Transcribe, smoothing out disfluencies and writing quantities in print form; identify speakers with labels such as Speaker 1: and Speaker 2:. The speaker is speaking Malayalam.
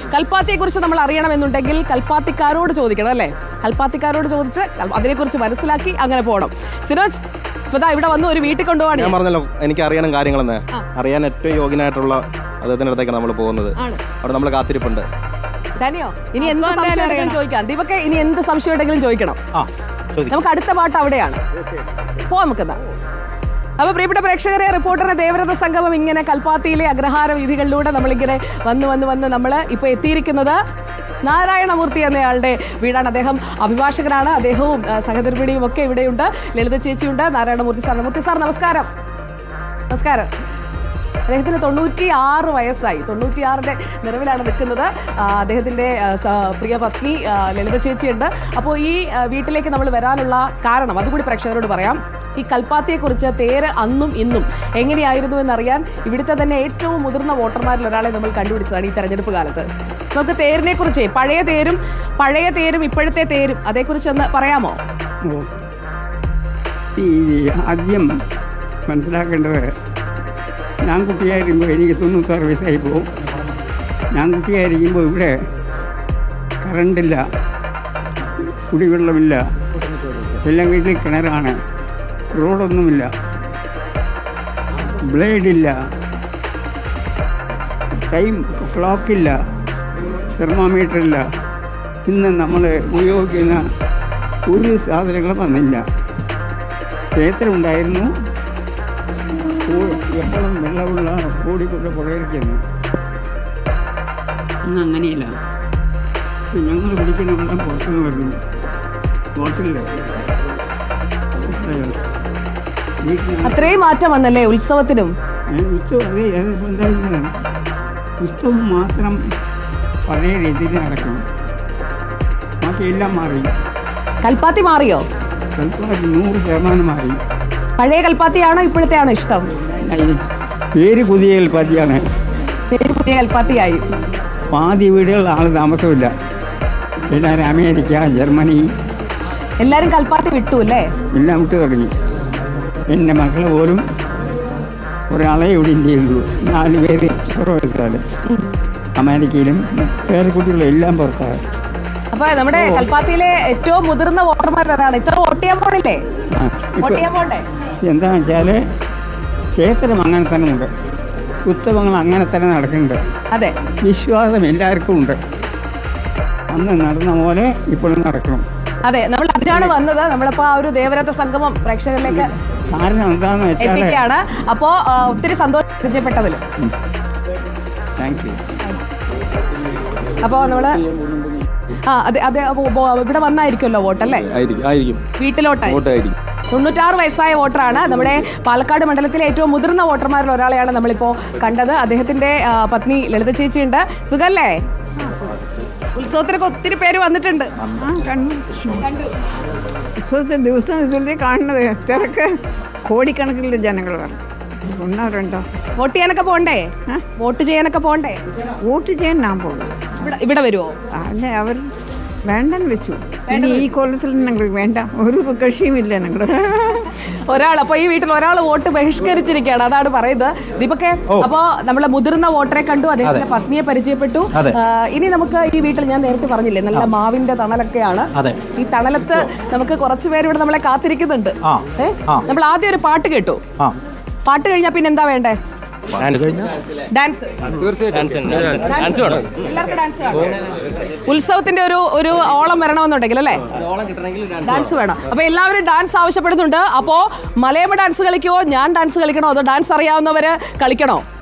Speaker 1: കൽപ്പാത്തിയെക്കുറിച്ച് നമ്മൾ അറിയണമെന്നുണ്ടെങ്കിൽ കൽപ്പാത്തിക്കാരോട് ചോദിക്കണം അല്ലേ? കൽപ്പാത്തിക്കാരോട് ചോദിച്ച് അതിനെക്കുറിച്ച് മനസ്സിലാക്കി അങ്ങനെ പോകണം. സിനോജ് ഇവിടെ വന്ന് ഒരു വീട്ടിൽ കൊണ്ടുപോകാൻ
Speaker 2: ഞാൻ പറഞ്ഞല്ലോ, എനിക്ക് അറിയണം കാര്യങ്ങളെന്ന്. അറിയാൻ ഏറ്റവും യോഗ്യനായിട്ടുള്ള അദ്ദേഹത്തിന്റെ അടുത്തേക്കാണ് നമ്മൾ പോകുന്നത്. അവിടെ നമ്മൾ കാത്തിരിപ്പുണ്ട്.
Speaker 1: ഇനി എന്ത് സംശയം ചോദിക്കാം. ദീപക്കെ ഇനി എന്ത് സംശയം ഉണ്ടെങ്കിലും ചോദിക്കണം. നമുക്ക് അടുത്ത പാട്ട് അവിടെയാണ്. പോവാം നമുക്കെന്താ. അപ്പൊ പ്രിയപ്പെട്ട പ്രേക്ഷകരെ, റിപ്പോർട്ടറിന്റെ ദേവരഥ സംഗമം ഇങ്ങനെ കൽപ്പാത്തിയിലെ അഗ്രഹാര വീഥികളിലൂടെ നമ്മളിങ്ങനെ വന്ന് നമ്മൾ ഇപ്പൊ എത്തിയിരിക്കുന്നത് നാരായണമൂർത്തി എന്നയാളുടെ വീടാണ്. അദ്ദേഹം അഭിഭാഷകനാണ്. അദ്ദേഹവും സഹധർമ്മിണിയും ഒക്കെ ഇവിടെയുണ്ട്. ലളിത ചേച്ചിയുണ്ട്, നാരായണമൂർത്തി സാർ. മൂർത്തി സാർ നമസ്കാരം. നമസ്കാരം. അദ്ദേഹത്തിന് 96 വയസ്സായി. 96ന്റെ നിറവിലാണ് നിൽക്കുന്നത്. അദ്ദേഹത്തിന്റെ പ്രിയ പത്നി ലളിത ചേച്ചിയുണ്ട്. അപ്പോൾ ഈ വീട്ടിലേക്ക് നമ്മൾ വരാനുള്ള കാരണം അതുകൂടി പ്രേക്ഷകരോട് പറയാം. ഈ കൽപ്പാത്തിയെക്കുറിച്ച് തേര് അന്നും ഇന്നും എങ്ങനെയായിരുന്നു എന്നറിയാൻ ഇവിടുത്തെ തന്നെ ഏറ്റവും മുതിർന്ന വോട്ടർമാരിൽ ഒരാളെ നമ്മൾ കണ്ടുപിടിച്ചതാണ് ഈ തെരഞ്ഞെടുപ്പ് കാലത്ത്. നമുക്ക് തേരിനെ കുറിച്ച് പഴയ തേരും ഇപ്പോഴത്തെ തേരും അതേക്കുറിച്ചൊന്ന് പറയാമോ?
Speaker 3: ആദ്യം മനസ്സിലാക്കേണ്ടത്, ഞാൻ കുട്ടിയായിരിക്കുമ്പോൾ എനിക്ക് 96 വയസ്സായി പോകും. ഞാൻ കുട്ടിയായിരിക്കുമ്പോൾ ഇവിടെ കറണ്ടില്ല, കുടിവെള്ളമില്ല, എല്ലാം വീട്ടിൽ കിണറാണ്, റോഡൊന്നുമില്ല, ബ്ലേഡില്ല, ടൈം ക്ലോക്കില്ല, തെർമോമീറ്ററില്ല. ഇന്ന് നമ്മൾ ഉപയോഗിക്കുന്ന ഒരു സാധനങ്ങളും വന്നില്ല. ക്ഷേത്രമുണ്ടായിരുന്നു, എപ്പോഴും വെള്ളമുള്ള ഓടിക്കൊണ്ട് പുഴയിരിക്കുന്നു. ഇന്ന് അങ്ങനെയില്ല. ഞങ്ങൾ പിടിക്കുന്നുണ്ട് പുറത്തുനിന്ന് വരുന്നു. ഹോട്ടലില്
Speaker 1: അത്രയും മാറ്റം വന്നല്ലേ ഉത്സവത്തിനും?
Speaker 3: ഉത്സവം മാത്രം പഴയ രീതിയിൽ നടക്കണം. ബാക്കിയെല്ലാം മാറി.
Speaker 1: കൽപ്പാത്തി മാറിയോ?
Speaker 3: കൽപ്പാത്തി 100% മാറി.
Speaker 1: പഴയ കൽപ്പാത്തിയാണോ ഇപ്പോഴത്തെ ആണോ ഇഷ്ടം?
Speaker 3: പേര് പുതിയ കൽപ്പാത്തിയാണ്.
Speaker 1: പേര് പുതിയ കൽപ്പാത്തിയായി.
Speaker 3: പാതി വീടുകളിൽ ആൾ താമസമില്ല. എല്ലാവരും അമേരിക്ക, ജർമ്മനി
Speaker 1: എല്ലാവരും കൽപ്പാത്തി വിട്ടു അല്ലേ?
Speaker 3: എല്ലാം വിട്ടു തുടങ്ങി. എൻ്റെ മക്കൾ പോലും ഒരാളെ ഇവിടെ ഇന്ത്യയിലുള്ളൂ. 4 പേര് പുറത്താണ്. അമേരിക്കയിലും വേറെ കുട്ടികളും എല്ലാം പുറത്താണ്.
Speaker 1: അപ്പൊ നമ്മുടെ കൽപ്പാത്തിയിലെ ഏറ്റവും മുതിർന്ന വോട്ടർമാരാണ്. ഇത്ര വോട്ട് ചെയ്യാൻ പോണില്ലേ?
Speaker 3: എന്താണെന്ന് വെച്ചാൽ ക്ഷേത്രം അങ്ങനെ തന്നെ ഉണ്ട്, ഉത്സവങ്ങൾ അങ്ങനെ തന്നെ നടക്കുന്നുണ്ട്.
Speaker 1: അതെ,
Speaker 3: വിശ്വാസം എല്ലാവർക്കും ഉണ്ട്. അന്ന് നടന്ന പോലെ ഇപ്പോഴും നടക്കണം.
Speaker 1: അതെ, നമ്മൾ അതിനാണ് വന്നത്. നമ്മളിപ്പോ ആ ഒരു ദേവരഥ സംഗമം പ്രേക്ഷകരിലേക്ക്
Speaker 3: കാരണം എന്താണെന്ന് വെച്ചാൽ
Speaker 1: അപ്പോ ഒത്തിരി സന്തോഷം പരിചയപ്പെട്ടതിൽ.
Speaker 3: Thank you.
Speaker 1: അപ്പോ നമ്മള് അതെ ഇവിടെ വന്നായിരിക്കുമല്ലോ വോട്ടല്ലേ? വീട്ടിലോട്ടായിരിക്കും. 96 വയസ്സായ വോട്ടറാണ്. നമ്മുടെ പാലക്കാട് മണ്ഡലത്തിലെ ഏറ്റവും മുതിർന്ന വോട്ടർമാരിൽ ഒരാളെയാണ് നമ്മളിപ്പോ കണ്ടത്. അദ്ദേഹത്തിന്റെ പത്നി ലളിത ചേച്ചിയുണ്ട്. സുഖല്ലേ? ഉത്സവത്തിനൊക്കെ ഒത്തിരി പേര് വന്നിട്ടുണ്ട്.
Speaker 4: ഉത്സവത്തിന് ദിവസം ഇതിലേ കാണുന്നത് തിരക്ക്, കോടിക്കണക്കിലുള്ള ജനങ്ങൾ ഒന്നോ
Speaker 1: വോട്ട് ചെയ്യാനൊക്കെ പോണ്ടേ? വോട്ട് ചെയ്യാനൊക്കെ പോണ്ടേ?
Speaker 4: വോട്ട് ചെയ്യാൻ ഞാൻ പോകും.
Speaker 1: ഇവിടെ വരുമോ?
Speaker 4: അല്ലേ, അവർ വേണ്ടെന്ന് വെച്ചു. ഇനി ഈ കൊല്ലത്തിൽ ഞങ്ങൾ വേണ്ട, ഒരു കക്ഷിയുമില്ല ഞങ്ങൾ.
Speaker 1: അപ്പൊ ഈ വീട്ടിൽ ഒരാൾ വോട്ട് ബഹിഷ്കരിച്ചിരിക്കുകയാണ്. അതാണ് പറയുന്നത്. ദീപക്കെ, അപ്പോ നമ്മളെ മുതിർന്ന വോട്ടറെ കണ്ടു, അദ്ദേഹത്തിന്റെ പത്നിയെ പരിചയപ്പെട്ടു. ഇനി നമുക്ക് ഈ വീട്ടിൽ ഞാൻ നേരത്തെ പറഞ്ഞില്ലേ, നല്ല മാവിന്റെ തണലൊക്കെയാണ്. ഈ തണലത്ത് നമുക്ക് കുറച്ചുപേര് ഇവിടെ നമ്മളെ കാത്തിരിക്കുന്നുണ്ട്. നമ്മൾ ആദ്യം ഒരു പാട്ട് കേട്ടു. പാട്ട് കഴിഞ്ഞാ പിന്നെ എന്താ വേണ്ടേ? ഡാൻസ്. ഉത്സവത്തിന്റെ ഒരു ഓളം വരണമെന്നുണ്ടെങ്കിൽ അല്ലേ, ഡാൻസ് വേണം. അപ്പൊ എല്ലാവരും ഡാൻസ് ആവശ്യപ്പെടുന്നുണ്ട്. അപ്പോ മലയാള ഡാൻസ് കളിക്കുമോ, ഞാൻ ഡാൻസ് കളിക്കണോ, അതോ ഡാൻസ് അറിയാവുന്നവര് കളിക്കണോ?